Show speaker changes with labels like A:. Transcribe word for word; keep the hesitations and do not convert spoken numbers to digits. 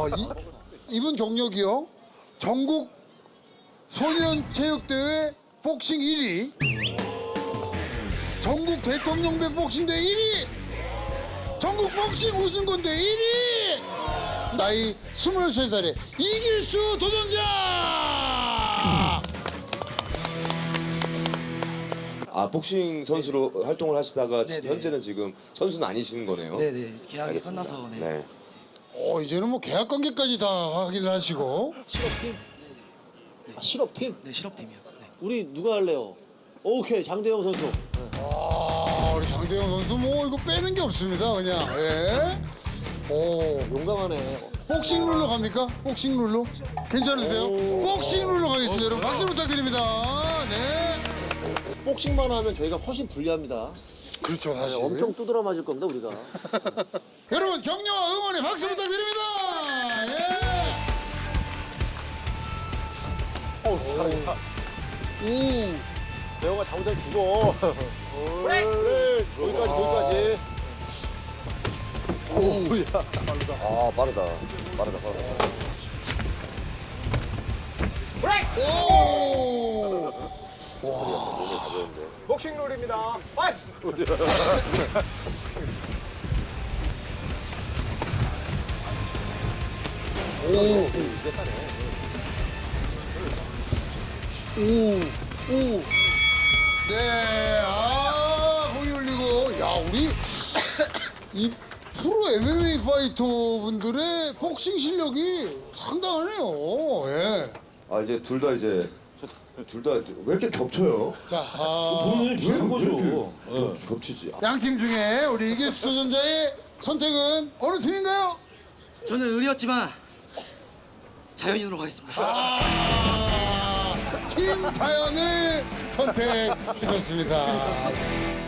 A: 이, 이분 경력이요. 전국 소년체육대회 복싱 일 위. 전국 대통령배 복싱대 일 위. 전국 복싱 우승권대 일 위. 나이 스물세 살에 이길수 도전자.
B: 아 복싱 선수로 활동을 하시다가 지-
C: 네네.
B: 현재는 지금 선수는 아니시는 거네요.
C: 네네 계약이
B: 알겠습니다.
C: 끝나서 네.
B: 네.
A: 어 이제는 뭐 계약 관계까지 다 확인을 하시고.
D: 실업팀? 아, 실업팀?
C: 네 실업팀이요. 네.
D: 우리 누가 할래요? 오케이, 장대영 선수.
A: 아 우리 장대영 선수 뭐 이거 빼는 게 없습니다 그냥. 예. 오
D: 용감하네.
A: 복싱 룰로 갑니까? 복싱 룰로? 괜찮으세요? 복싱 룰로 가겠습니다. 여러분 박수 부탁드립니다. 네.
D: 복싱만 하면 저희가 훨씬 불리합니다.
A: 그렇죠
D: 네,
A: 사실.
D: 엄청 두드러 맞을 겁니다, 우리가.
A: 여러분 격려와 응원의 박수 부탁드립니다. 예.
D: 어우,
A: 오.
D: 대영아 잘못하면 죽어. 그래, 거기까지, 거기까지. 오야.
B: 아 빠르다. 빠르다 빠르다.
A: 오.
D: 복싱 룰입니다. 파이!
A: 오. 오. 오. 네. 아, 거기 올리고. 야, 우리 이 프로 엠엠에이 파이터 분들의 복싱 실력이 상당하네요. 예.
B: 아 이제 둘 다 이제 둘 다 왜 이렇게 겹쳐요?
A: 자, 아,
B: 왜 비슷한 거죠. 겹치지.
A: 양팀 중에 우리 이길수 도전자의 선택은 어느 팀인가요?
C: 저는 의리였지만 자연인으로 가겠습니다.
A: 아, 팀 자연을 선택하셨습니다.